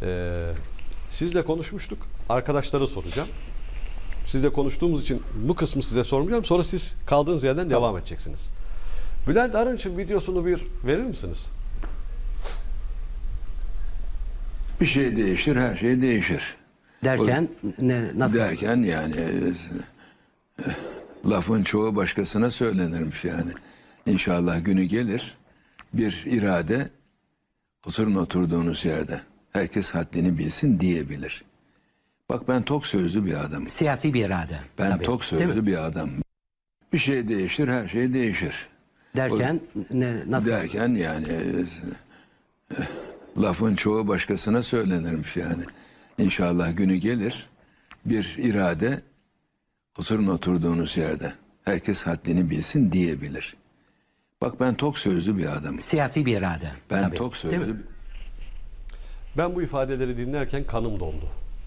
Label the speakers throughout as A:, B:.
A: Sizle konuşmuştuk. Arkadaşlara soracağım. Sizle konuştuğumuz için bu kısmı size sormayacağım. Sonra siz kaldığınız yerden devam edeceksiniz. Bülent Arınç'ın videosunu bir verir misiniz?
B: Bir şey değişir, her şey değişir.
C: Derken nasıl?
B: Derken yani lafın çoğu başkasına söylenirmiş yani. İnşallah günü gelir, bir irade oturun oturduğunuz yerde. Herkes haddini bilsin diyebilir. Bak ben tok sözlü bir adamım.
C: Siyasi bir irade.
B: Ben
C: tabii.
B: tok
C: Değil mi?
B: sözlü bir adamım. Bir şey değişir, her şey değişir.
C: Derken nasıl?
B: Derken yani lafın çoğu başkasına söylenirmiş yani. İnşallah günü gelir, bir irade oturun oturduğunuz yerde. Herkes haddini bilsin diyebilir. Bak ben tok sözlü bir adamım.
C: Siyasi bir irade.
B: Ben
C: tabii.
B: tok
C: Değil mi?
B: sözlü.
A: Ben bu ifadeleri dinlerken kanım dondu.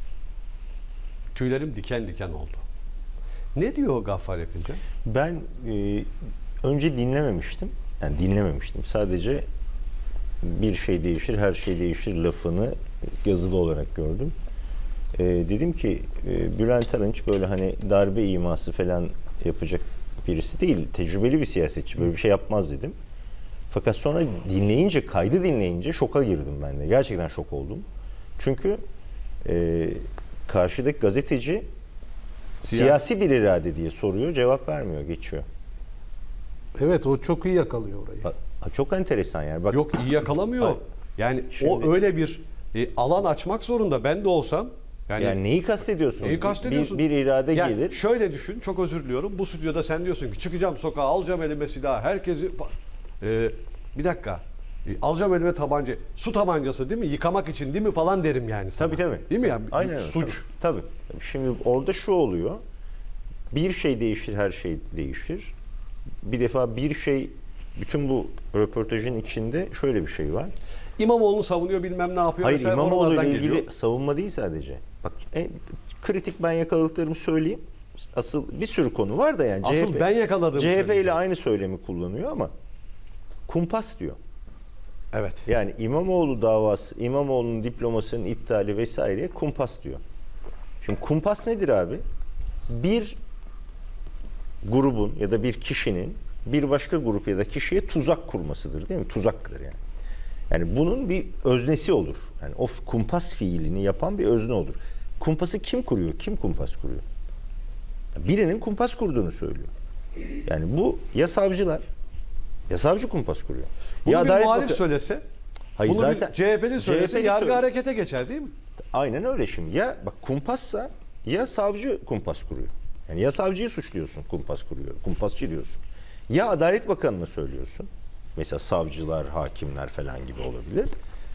A: Tüylerim diken diken oldu. Ne diyor Gaffar Yapınca?
D: Ben önce dinlememiştim. Yani dinlememiştim. Sadece bir şey değişir, her şey değişir lafını yazılı olarak gördüm. Dedim ki Bülent Arınç böyle hani darbe iması falan yapacak birisi değil. Tecrübeli bir siyasetçi. Böyle bir şey yapmaz dedim. Fakat sonra dinleyince, kaydı dinleyince şoka girdim ben de. Gerçekten şok oldum. Çünkü karşıdaki gazeteci siyasi bir irade diye soruyor, cevap vermiyor, geçiyor.
E: Evet, o çok iyi yakalıyor orayı.
D: Çok enteresan yani. Bak,
A: Yok, iyi yakalamıyor. Yani
D: Şimdi-
A: o öyle bir alan açmak zorunda. Ben de olsam
D: yani neyi kastediyorsun?
A: neyi kastediyorsun?
D: Bir irade
A: Yani
D: gelir.
A: şöyle düşün, çok özür diliyorum. Bu stüdyoda sen diyorsun ki çıkacağım sokağa, alacağım elime silah, herkesi... bir dakika. Alacağım elime tabanca. Su tabancası değil mi? Yıkamak için değil mi falan derim yani sana.
D: Tabii.
A: Değil mi ya?
D: Aynen öyle,
A: Suç.
D: Tabii. Şimdi orada şu oluyor. Bir şey değişir, her şey değişir. Bir defa bir şey, bütün bu röportajın içinde şöyle bir şey var.
A: İmamoğlu'nu savunuyor, bilmem ne yapıyor.
D: Hayır,
A: Mesela
D: İmamoğlu ile
A: oralardan
D: ilgili
A: geliyor.
D: savunma değil sadece. Bak kritik ben yakaladıklarımı söyleyeyim. Asıl bir sürü konu var da yani.
A: Asıl ben yakaladığımı
D: CHP ile
A: söyleyeceğim.
D: aynı söylemi kullanıyor ama kumpas diyor.
A: Evet.
D: Yani İmamoğlu davası, İmamoğlu'nun diplomasının iptali vesaire kumpas diyor. Şimdi kumpas nedir abi? Bir grubun ya da bir kişinin bir başka grup ya da kişiye tuzak kurmasıdır, değil mi? Tuzaktır yani. Yani bunun bir öznesi olur. Yani o kumpas fiilini yapan bir özne olur. Kumpası kim kuruyor? Kim kumpas kuruyor? Birinin kumpas kurduğunu söylüyor. Yani bu ya savcılar, ya savcı kumpas kuruyor.
A: Bunu
D: ya
A: bir
D: Adalet
A: muhalif
D: Bakanı-
A: söylese,
D: Hayır,
A: bunu
D: zaten
A: bir CHP'li söylese
D: CHP'li
A: yargı
D: söyle-
A: harekete geçer değil mi?
D: Aynen öyle şimdi. Ya bak kumpassa ya savcı kumpas kuruyor. Yani ya savcıyı suçluyorsun, kumpas kuruyor, kumpasçı diyorsun. Ya Adalet Bakanı'na söylüyorsun. Mesela savcılar, hakimler falan gibi olabilir.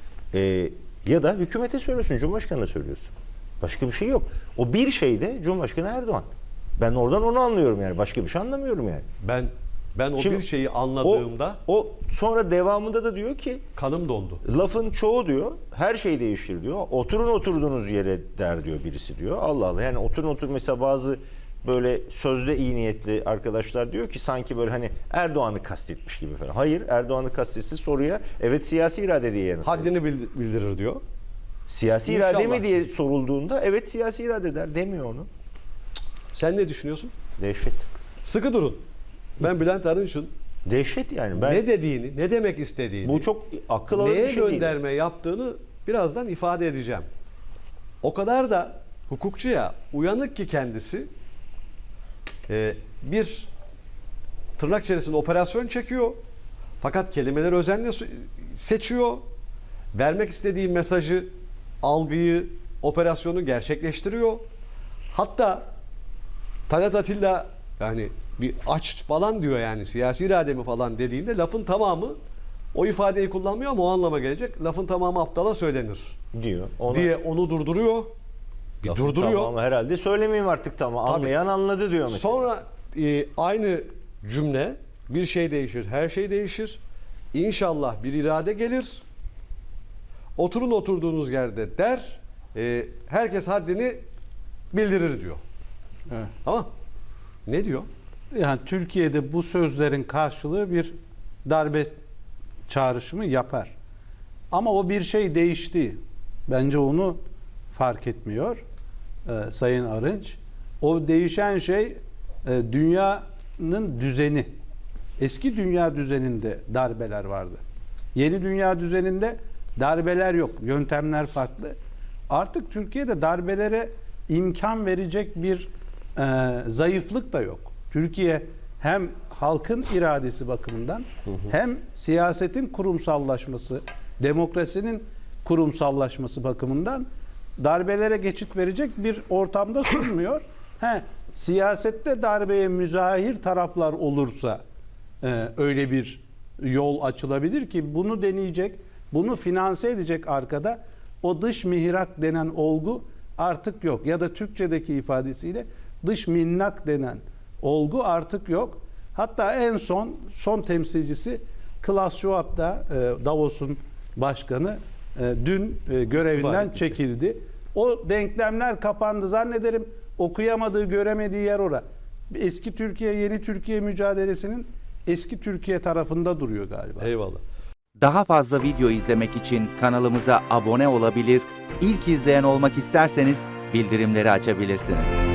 D: Ya da hükümete söylüyorsun, Cumhurbaşkanı'na söylüyorsun. Başka bir şey yok. O bir şey de Cumhurbaşkanı Erdoğan. Ben oradan onu anlıyorum yani. Başka bir şey anlamıyorum yani.
A: Ben o
D: Şimdi
A: bir şeyi anladığımda
D: O sonra devamında da diyor ki
A: kanım dondu.
D: lafın çoğu diyor, her şey değişir diyor. Oturun oturduğunuz yere der diyor birisi diyor. Allah Allah, yani oturun mesela bazı böyle sözde iyi niyetli arkadaşlar diyor ki sanki böyle hani Erdoğan'ı kastetmiş gibi falan. Hayır, Erdoğan'ı kastetse soruya evet siyasi irade diye yanıt veriyor.
A: Haddini bildirir diyor.
D: Siyasi
A: İnşallah.
D: irade mi diye sorulduğunda evet siyasi irade der, demiyor onu.
A: Sen ne düşünüyorsun?
D: Dehşet.
A: Sıkı durun. Ben Bülent Arınç'ın
D: Dehşet yani. Ben
A: ne dediğini, ne demek istediğini,
D: bu çok akıl alır bir
A: neye
D: şey değil.
A: gönderme yaptığını birazdan ifade edeceğim. O kadar da hukukçuya uyanık ki kendisi bir tırnak içerisinde operasyon çekiyor. Fakat kelimeleri özenle seçiyor. Vermek istediği mesajı, algıyı, operasyonu gerçekleştiriyor. Hatta Talat Atilla yani bir aç falan diyor yani siyasi irade mi falan dediğinde lafın tamamı o ifadeyi kullanmıyor ama o anlama gelecek. Lafın tamamı aptala söylenir
D: diyor. Ona,
A: diye onu durduruyor. Bir
D: lafın
A: durduruyor.
D: tamamı herhalde söylemeyeyim artık tamam.
A: Tabii.
D: Anlayan anladı diyor mesela.
A: Sonra aynı cümle bir şey değişir, her şey değişir. İnşallah bir irade gelir. Oturun oturduğunuz yerde der. Herkes haddini bildirir diyor.
E: Evet.
A: Tamam. Ne diyor?
E: Yani Türkiye'de bu sözlerin karşılığı bir darbe çağrışımı yapar. Ama o bir şey değişti. Bence onu fark etmiyor Sayın Arınç. O değişen şey dünyanın düzeni. Eski dünya düzeninde darbeler vardı. Yeni dünya düzeninde darbeler yok. Yöntemler farklı. Artık Türkiye'de darbelere imkan verecek bir zayıflık da yok. Türkiye hem halkın iradesi bakımından hem siyasetin kurumsallaşması, demokrasinin kurumsallaşması bakımından darbelere geçit verecek bir ortamda sunmuyor. Siyasette darbeye müzahir taraflar olursa öyle bir yol açılabilir ki bunu deneyecek, bunu finanse edecek arkada o dış mihrak denen olgu artık yok. Ya da Türkçedeki ifadesiyle dış minnak denen olgu artık yok. Hatta en son temsilcisi Klaus Schwab da Davos'un başkanı dün görevinden çekildi. O denklemler kapandı zannederim. Okuyamadığı, göremediği yer ora. Eski Türkiye, yeni Türkiye mücadelesinin eski Türkiye tarafında duruyor galiba.
A: Eyvallah.
F: Daha fazla video izlemek için kanalımıza abone olabilir, ilk izleyen olmak isterseniz bildirimleri açabilirsiniz.